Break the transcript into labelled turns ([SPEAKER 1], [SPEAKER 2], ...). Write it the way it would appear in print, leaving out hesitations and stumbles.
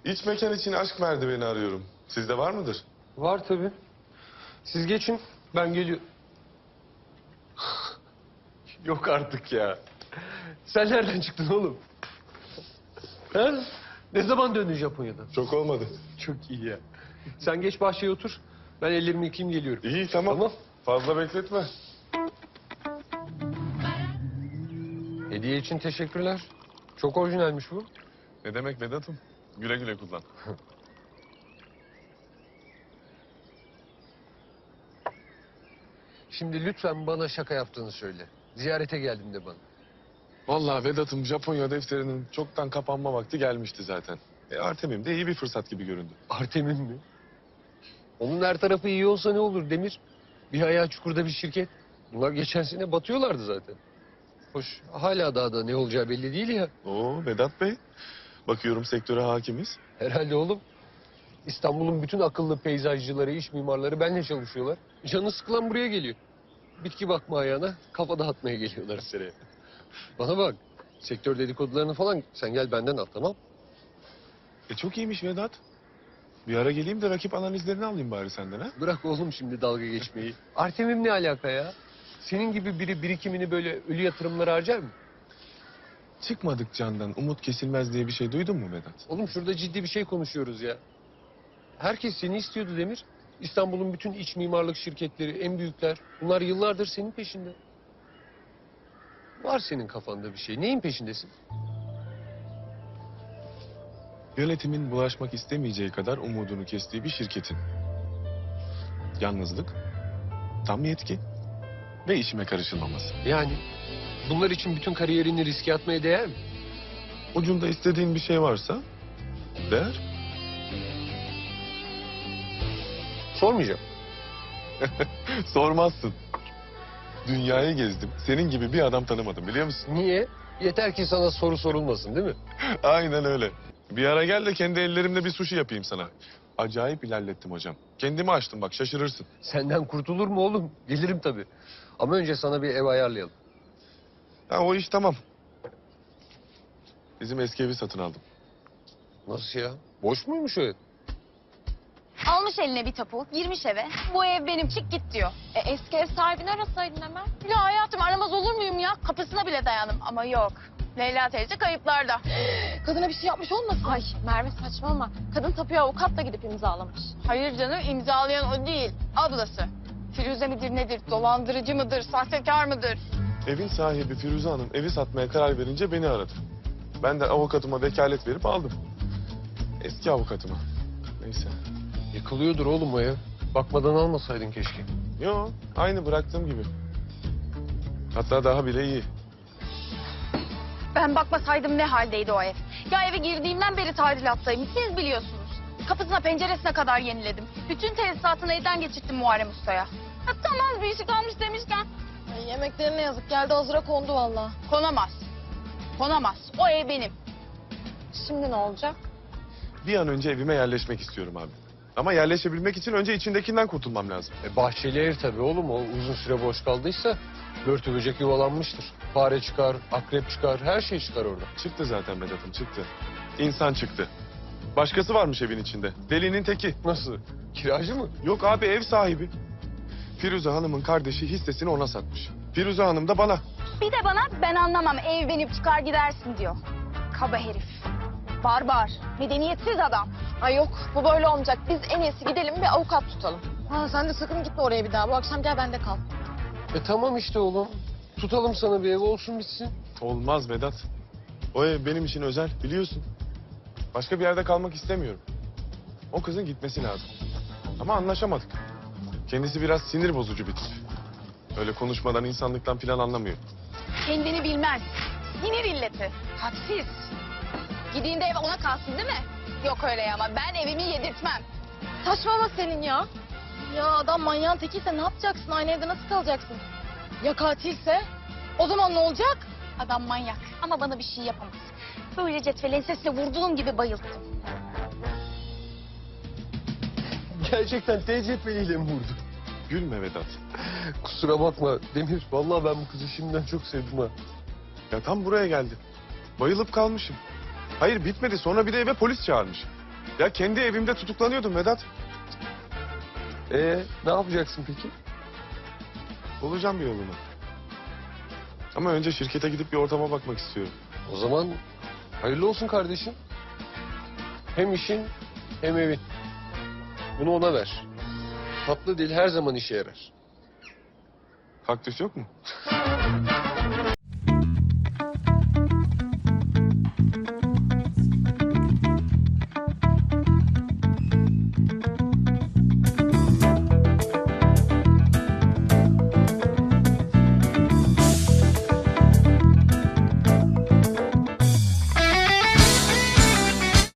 [SPEAKER 1] İç mekan için aşk merdiveni arıyorum. Sizde var mıdır?
[SPEAKER 2] Var tabii. Siz geçin, ben geliyorum. Yok artık ya. Sen nereden çıktın oğlum? Ha? Ne zaman döndün Japonya'dan?
[SPEAKER 1] Çok olmadı.
[SPEAKER 2] Çok iyi ya. Sen geç bahçeye otur. Ben ellerimi yıkayayım geliyorum.
[SPEAKER 1] İyi tamam.
[SPEAKER 2] Tamam.
[SPEAKER 1] Fazla bekletme.
[SPEAKER 2] Hediye için teşekkürler. Çok orijinalmiş bu.
[SPEAKER 1] Ne demek Vedat'ım? Güle güle kullan.
[SPEAKER 2] Şimdi lütfen bana şaka yaptığını söyle. Ziyarete geldim de bana.
[SPEAKER 1] Vallahi Vedat'ım Japonya defterinin çoktan kapanma vakti gelmişti zaten. Artemim de iyi bir fırsat gibi göründü.
[SPEAKER 2] Artem'in mi? Onun her tarafı iyi olsa ne olur Demir? Bir ayağı çukurda bir şirket. Bunlar geçen sene batıyorlardı zaten. Hoş hala daha da ne olacağı belli değil ya.
[SPEAKER 1] Oo Vedat Bey. Bakıyorum sektöre hakimiz.
[SPEAKER 2] Herhalde oğlum. İstanbul'un bütün akıllı peyzajcıları, iş mimarları benimle çalışıyorlar. Canı sıkılan buraya geliyor. Bitki bakma ayağına, kafa dağıtmaya geliyorlar seneye. Bana bak, sektör dedikodularını falan sen gel benden al, tamam?
[SPEAKER 1] Çok iyiymiş Vedat. Bir ara geleyim de rakip analizlerini alayım bari senden ha.
[SPEAKER 2] Bırak oğlum şimdi dalga geçmeyi. Artemim ne alaka ya? Senin gibi biri birikimini böyle ölü yatırımlara harcar mı?
[SPEAKER 1] Çıkmadık candan umut kesilmez diye bir şey duydun mu Vedat?
[SPEAKER 2] Oğlum şurada ciddi bir şey konuşuyoruz ya. Herkes seni istiyordu Demir. İstanbul'un bütün iç mimarlık şirketleri, en büyükler. Bunlar yıllardır senin peşinde. Var senin kafanda bir şey. Neyin peşindesin?
[SPEAKER 1] Yönetimin bulaşmak istemeyeceği kadar umudunu kestiği bir şirketin. Yalnızlık, tam yetki ve işime karışılmaması.
[SPEAKER 2] Yani bunlar için bütün kariyerini riske atmaya değer mi?
[SPEAKER 1] Ucunda istediğin bir şey varsa değer.
[SPEAKER 2] Sormayacağım.
[SPEAKER 1] Sormazsın. Dünyayı gezdim. Senin gibi bir adam tanımadım biliyor musun?
[SPEAKER 2] Niye? Yeter ki sana soru sorulmasın değil mi?
[SPEAKER 1] Aynen öyle. Bir ara gel de kendi ellerimle bir sushi yapayım sana. Acayip ilerlettim hocam. Kendimi açtım bak şaşırırsın.
[SPEAKER 2] Senden kurtulur mu oğlum? Gelirim tabii. Ama önce sana bir ev ayarlayalım.
[SPEAKER 1] Ha o iş tamam. Bizim eski evi satın aldım.
[SPEAKER 2] Nasıl ya? Boş muymuş o ev?
[SPEAKER 3] Almış eline bir tapu, girmiş eve. Bu ev benim, çık git diyor. Eski ev sahibini arasaydın hemen. Ya hayatım aramaz olur muyum ya? Kapısına bile dayandım ama yok. Leyla teyze kayıplarda.
[SPEAKER 4] Kadına bir şey yapmış olmasın?
[SPEAKER 3] Ay Merve saçmalama. Kadın tapuya avukatla gidip imzalamış. Hayır canım, imzalayan o değil. Ablası. Firuze midir nedir, dolandırıcı mıdır, sahtekar mıdır?
[SPEAKER 1] Evin sahibi Firuze Hanım evi satmaya karar verince beni aradı. Ben de avukatıma vekalet verip aldım. Eski avukatıma. Neyse.
[SPEAKER 2] Yıkılıyordur oğlum o ev. Bakmadan almasaydın keşke.
[SPEAKER 1] Yo aynı bıraktığım gibi. Hatta daha bile iyi.
[SPEAKER 3] Ben bakmasaydım ne haldeydi o ev? Ya eve girdiğimden beri tadilattayım. Siz biliyorsunuz. Kapısına penceresine kadar yeniledim. Bütün tesisatını elden geçirttim Muharrem Usta'ya. Ya tamam bir işi kalmış demişken.
[SPEAKER 4] Ay, yemeklerine yazık geldi hazıra kondu valla.
[SPEAKER 3] Konamaz. Konamaz. O ev benim.
[SPEAKER 4] Şimdi ne olacak?
[SPEAKER 1] Bir an önce evime yerleşmek istiyorum abi. Ama yerleşebilmek için önce içindekinden kurtulmam lazım.
[SPEAKER 2] Bahçeli ev tabii oğlum. O uzun süre boş kaldıysa börtü böcek yuvalanmıştır. Fare çıkar, akrep çıkar, her şey çıkar orada.
[SPEAKER 1] Çıktı zaten Vedat'ım çıktı. İnsan çıktı. Başkası varmış evin içinde. Delinin teki.
[SPEAKER 2] Nasıl? Kiracı mı?
[SPEAKER 1] Yok abi ev sahibi. Firuze Hanım'ın kardeşi hissesini ona satmış. Firuze Hanım da bana.
[SPEAKER 3] Bir de bana ben anlamam ev benim çıkar gidersin diyor. Kaba herif. Barbar. Medeniyetsiz adam.
[SPEAKER 4] Ay yok bu böyle olmayacak. Biz en iyisi gidelim bir avukat tutalım. Ha sen de sakın gitme oraya bir daha. Bu akşam gel bende kal.
[SPEAKER 2] Tamam işte oğlum. Tutalım sana bir ev olsun bitsin.
[SPEAKER 1] Olmaz Vedat. O ev benim için özel biliyorsun. Başka bir yerde kalmak istemiyorum. O kızın gitmesi lazım. Ama anlaşamadık. Kendisi biraz sinir bozucu bir tip. Öyle konuşmadan insanlıktan falan anlamıyor.
[SPEAKER 3] Kendini bilmez. Sinir illeti. Hadsiz. Gideyim ev ona kalsın değil mi? Yok öyle ama ben evimi yedirtmem.
[SPEAKER 4] Saçmalama Selin ya. Ya adam manyağın tekiyse ne yapacaksın? Aynı evde nasıl kalacaksın? Ya katilse? O zaman ne olacak?
[SPEAKER 3] Adam manyak ama bana bir şey yapamaz. Böyle cetveli ensesle vurduğum gibi bayılttım.
[SPEAKER 2] Gerçekten TCP'liyle mi vurdu?
[SPEAKER 1] Gülme Vedat.
[SPEAKER 2] Kusura bakma Demir. Vallahi ben bu kızı şimdiden çok sevdim ha.
[SPEAKER 1] Ya tam buraya geldi. Bayılıp kalmışım. Hayır bitmedi sonra bir de eve polis çağırmış. Ya kendi evimde tutuklanıyordum Vedat.
[SPEAKER 2] Ne yapacaksın peki?
[SPEAKER 1] Bulacağım bir yolunu. Ama önce şirkete gidip bir ortama bakmak istiyorum.
[SPEAKER 2] O zaman hayırlı olsun kardeşim. Hem işin hem evin. Bunu ona ver. Tatlı dil her zaman işe yarar.
[SPEAKER 1] Kaktüs yok mu?